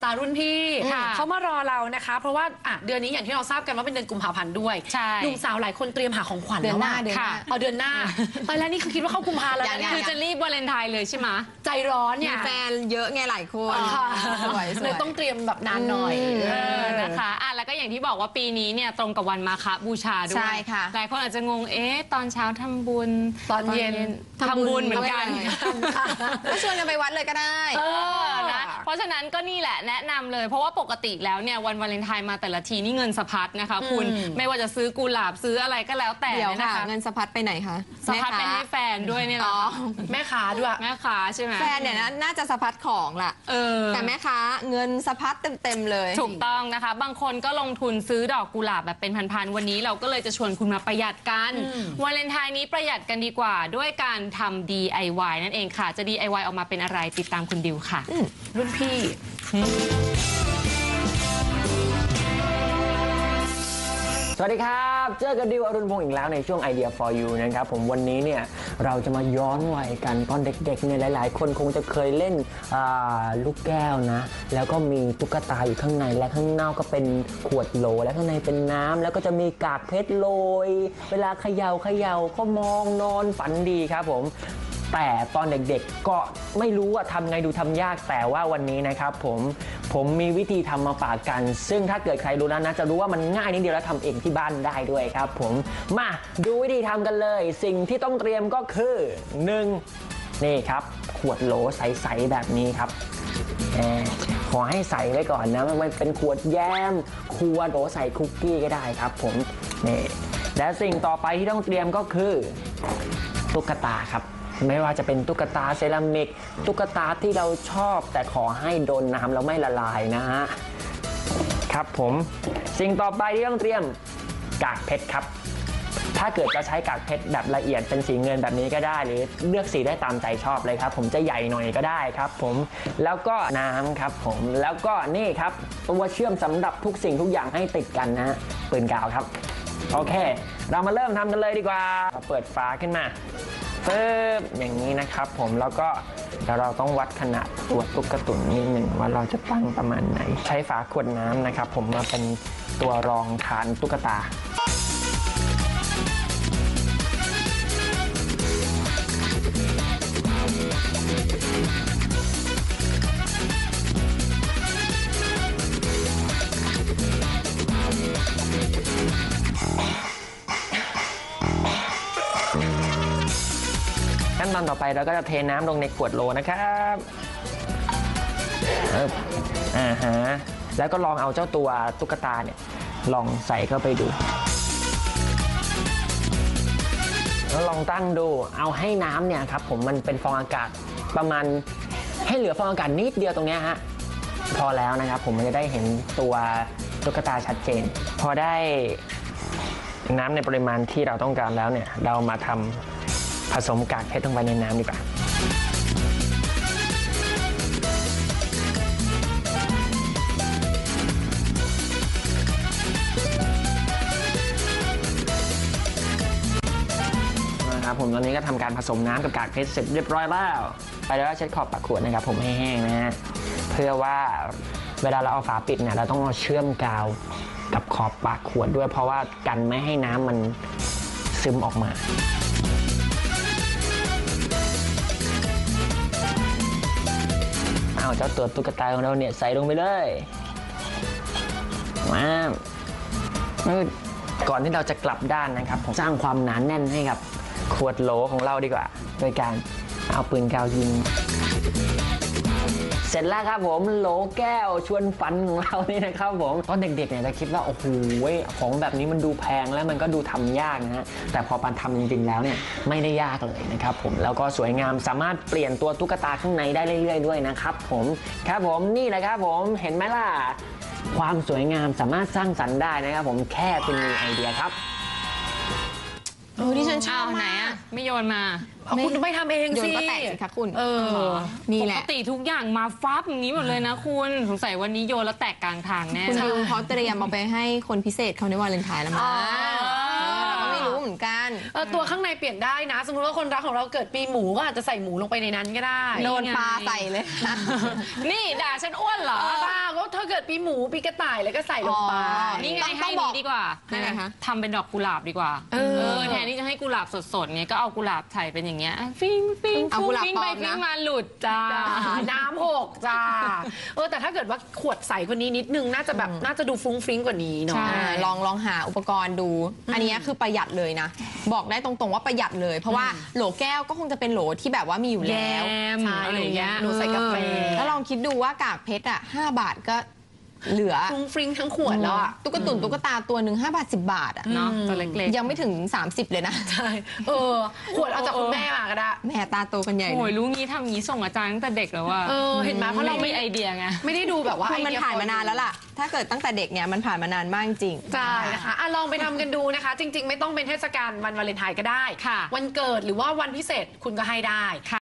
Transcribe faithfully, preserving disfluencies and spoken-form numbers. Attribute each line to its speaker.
Speaker 1: ตารุ่นพี่เขามารอเรานะคะเพราะว่าอ่ะเดือนนี้อย่างที่เราทราบกันว่าเป็นเดือนกุมภาพันธ์ด้วยหนุ่มสาวหลายคนเตรียมหาของขวัญแล้วว่าเดือนหน้าเอาเดือนหน้าตอนแรกนี่คือคิดว่าเข้ากุมภาแล้วนะ
Speaker 2: คือจะรีบวาเลนไทน์เลยใช่ไหม
Speaker 1: ใจร้อนเนี่ย
Speaker 2: แฟนเยอะไงหลายคน
Speaker 1: สวยเลยต้องเตรียมแบบนานหน่อย
Speaker 2: นะคะอ่ะแล้วก็อย่างที่บอกว่าปีนี้เนี่ยตรงกับวันมาฆบูชาด้วยใช่ค่ะหลายคนอาจจะงงเอ๊ะตอนเช้าทำบุญ
Speaker 1: ตอนเย็น
Speaker 2: ทำบุญเหมือนกัน
Speaker 3: ก็ชวนกันไปวัดเลยก็ได้
Speaker 2: นะเพราะฉะนั้นก็นี่แหละแนะนำเลยเพราะว่าปกติแล้วเนี่ยวันวาเลนไทน์มาแต่ละทีนี่เงินสะพัดนะคะคุณไม่ว่าจะซื้อกุหลาบซื้ออะไรก็แล้วแต่
Speaker 3: นะคะเงินสะพัดไปไหนคะ
Speaker 2: สะพัดไปให้แฟนด้วยเนี่ยหรอ
Speaker 1: แม่ค้าด้วย
Speaker 2: แม่ค้าใช่ไหม
Speaker 3: แฟนเนี่ยน่าจะสะพัดของล่ะแต่แม่ค้าเงินสะพัดเต็มๆเลย
Speaker 2: ถูกต้องนะคะบางคนก็ลงทุนซื้อดอกกุหลาบแบบเป็นพันๆวันนี้เราก็เลยจะชวนคุณมาประหยัดกันวาเลนไทน์นี้ประหยัดกันดีกว่าด้วยการทำ ดี ไอ วาย นั่นเองค่ะจะ ดี ไอ วาย ออกมาเป็นอะไรติดตามคุณดิวค่ะ
Speaker 1: รุ่นพี่
Speaker 4: สวัสดีครับเจอกันดิวอรุณพงศ์อีกแล้วในช่วง Idea for You นะครับผมวันนี้เนี่ยเราจะมาย้อนวัยกันตอนเด็กๆเนี่ยหลายๆคนคงจะเคยเล่นลูกแก้วนะแล้วก็มีตุ๊กตาอยู่ข้างในและข้างนอกก็เป็นขวดโหลและข้างในเป็นน้ำแล้วก็จะมีกากเพชรโรยเวลาเขย่าเขย่าก็มองนอนฝันดีครับผมแต่ตอนเด็กๆก็ไม่รู้ว่าทำไงดูทำยากแต่ว่าวันนี้นะครับผมผมมีวิธีทำมาฝากกันซึ่งถ้าเกิดใครรู้แล้วนะจะรู้ว่ามันง่ายนิดเดียวแล้วทำเองที่บ้านได้ด้วยครับผมมาดูวิธีทำกันเลยสิ่งที่ต้องเตรียมก็คือหนึ่งนี่ครับขวดโหลใสๆแบบนี้ครับขอให้ใส่ไว้ก่อนนะมันเป็นขวดแยมขวดโหลใส่คุกกี้ก็ได้ครับผมนี่และสิ่งต่อไปที่ต้องเตรียมก็คือตุ๊กตาครับไม่ว่าจะเป็นตุ๊กตาเซรามิกตุ๊กตาที่เราชอบแต่ขอให้โดนน้ำแล้วไม่ละลายนะฮะครับผมสิ่งต่อไปที่ต้องเตรียมกากเพชรครับถ้าเกิดจะใช้กากเพชรแบบละเอียดเป็นสีเงินแบบนี้ก็ได้หรือเลือกสีได้ตามใจชอบเลยครับผมจะใหญ่หน่อยก็ได้ครับผมแล้วก็น้ำครับผมแล้วก็นี่ครับตัวเชื่อมสำหรับทุกสิ่งทุกอย่างให้ติดกันนะฮะปืนกาวครับโอเคเรามาเริ่มทำกันเลยดีกว่าเปิดฝาขึ้นมาปึ๊บอย่างนี้นะครับผมแล้วก็เดี๋ยวเราต้องวัดขนาดตัวตุ๊กตุ่นนิดหนึ่งว่าเราจะตั้งประมาณไหนใช้ฝาขวดน้ำนะครับผมมาเป็นตัวรองฐานตุ๊กตาขั้นตอนต่อไปเราก็จะเทน้ำลงในขวดโหลนะครับอ่าฮะแล้วก็ลองเอาเจ้าตัวตุ๊กตาเนี่ยลองใส่เข้าไปดูแล้วลองตั้งดูเอาให้น้ำเนี่ยครับผมมันเป็นฟองอากาศประมาณให้เหลือฟองอากาศนิดเดียวตรงนี้ฮะพอแล้วนะครับผมมันจะได้เห็นตัวตุ๊กตาชัดเจนพอได้น้ำในปริมาณที่เราต้องการแล้วเนี่ยเรามาทำผสมกากเพชรลงไปในน้ำดีกว่านะครับผมตอนนี้ก็ทำการผสมน้ำกับกากเพชรเสร็จเรียบร้อยแล้วไปแล้วเช็ดขอบปากขวดนะครับผมให้แห้งนะฮะเพื่อว่าเวลาเราเอาฝาปิดเนี่ยเราต้องเชื่อมกาวกับขอบปากขวดด้วยเพราะว่ากันไม่ให้น้ำมันซึมออกมาเอาเจ้าตัวตุ๊กตาของเราเนี่ยใส่ลงไปเลยมาก่อนที่เราจะกลับด้านนะครับผมสร้างความหนาแน่นให้กับขวดโหลของเราดีกว่าโดยการเอาปืนกาวยิงเสร็จแล้วครับผมโหลแก้วชวนฝันของเรานี่นะครับผมตอนเด็กๆเนี่ยเราคิดว่าโอ้โหของแบบนี้มันดูแพงแล้วมันก็ดูทำยากนะฮะแต่พอปันทำจริงๆแล้วเนี่ยไม่ได้ยากเลยนะครับผมแล้วก็สวยงามสามารถเปลี่ยนตัวตุ๊กตาข้างในได้เรื่อยๆด้วยนะครับผมครับผมนี่แหละครับผมเห็นไหมล่ะความสวยงามสามารถสร้างสรรค์ได้นะครับผมแค่คุณมีไอเดียครับ
Speaker 3: โอ้ที่ฉันชอบ
Speaker 2: ไหนอ่ะไม่โยนมา
Speaker 1: คุณไม่ทำเองสิ
Speaker 3: โยนก็แตกสิคะคุณ
Speaker 2: เออ
Speaker 3: นี่แหละ
Speaker 2: ปกติทุกอย่างมาฟับอย่างนี้หมดเลยนะคุณสงสัยวันนี้โยนแล้วแตกกลางทางแน่
Speaker 3: คุณดิวเขาเตรียมเอาไปให้คนพิเศษเขาในวาเลนไทน์แล้วมั้งเราก็ไม่รู้เหมือนกัน
Speaker 1: ตัวข้างในเปลี่ยนได้นะสมมติว่าคนรักของเราเกิดปีหมูก็อาจจะใส่หมูลงไปในนั้นก็ได้
Speaker 3: โดนปลาใส่เลย
Speaker 2: นี่ด่าฉันอ้วนเหรอ
Speaker 1: ป้าก็เกิดปีหมูปีกระต่ายแล้วก็ใส่ลงไป
Speaker 2: นี่ไง
Speaker 3: ต้อง
Speaker 2: ให้
Speaker 3: บอก
Speaker 2: นี้ดีกว่า
Speaker 3: ยังไงคะ
Speaker 2: ทำเป็นดอกกุหลาบดีกว่า
Speaker 1: เออ
Speaker 2: แทนที่จะให้กุหลาบสดๆเนี่ยก็เอากุหลาบใส่เป็นอย่างเงี้ยอ่ะฟิ้งฟิ้ง
Speaker 3: เอากุหลาบ
Speaker 2: ฟิ้ง
Speaker 3: ปล
Speaker 2: ไป
Speaker 3: อมนะ
Speaker 2: ฟิ้งมาหลุดจ้า
Speaker 1: น้ำหกจ้าเออแต่ถ้าเกิดว่าขวดใสกว่านี้นิดนึงน่าจะแบบน่าจะดูฟุ้งฟริ้งกว่านี้เนาะ
Speaker 2: ใช่
Speaker 3: อ่าลองลองหาอุปกรณ์ดู อันนี้คือประหยัดเลยนะ บอกได้ตรงๆว่าประหยัดเลย เพราะว่าโหลแก้วก็คงจะเป็นโหลที่แบบว่ามีอยู่
Speaker 2: แย
Speaker 3: แล้ว
Speaker 2: ม
Speaker 1: ใช่
Speaker 2: อะไรอย่างเงี้ย
Speaker 1: หนูใส่กาแฟ
Speaker 3: แล้วลองคิดดูว่ากากเพชรอ่ะห้าบาทก็เหลือ
Speaker 1: ฟุ้งฟริ้งทั้งขวดแล้วอ่ะ
Speaker 3: ตุ๊กตุนตุ๊กตาตัวหนึ่งห้าบาทสิบบาทอ่ะ
Speaker 2: เนาะตัวเล็กๆ
Speaker 3: ยังไม่ถึงสามสิบเลยนะ
Speaker 1: ใช่เออขวดเอาจากคุณแม่มาก็ได้
Speaker 3: แม่ตาโตกันใหญ่เล
Speaker 2: โอ้ย
Speaker 3: ย
Speaker 2: รู้งี้ทำงี้ส่งอาจารย์ตั้งแต่เด็กแล้วว่า
Speaker 1: เออเห็นไหมเพราะเราไม่
Speaker 2: ไอเดียไง
Speaker 1: ไม่ได้ดูแบบว่า
Speaker 3: คือมัน
Speaker 1: ไอเดีย
Speaker 3: ผ่านมานานแล้วล่ะ ถ้าเกิดตั้งแต่เด็กเนี่ยมันผ่านมานานมากจริง
Speaker 1: ใช่นะคะอ่ะลองไปทำกันดูนะคะ จริง ๆ ไม่ต้องเป็นเทศกาลวันวาเลนไทน์ก็ได้
Speaker 2: ค่ะ
Speaker 1: วันเกิดหรือว่าวันพิเศษคุณก็ให้ได้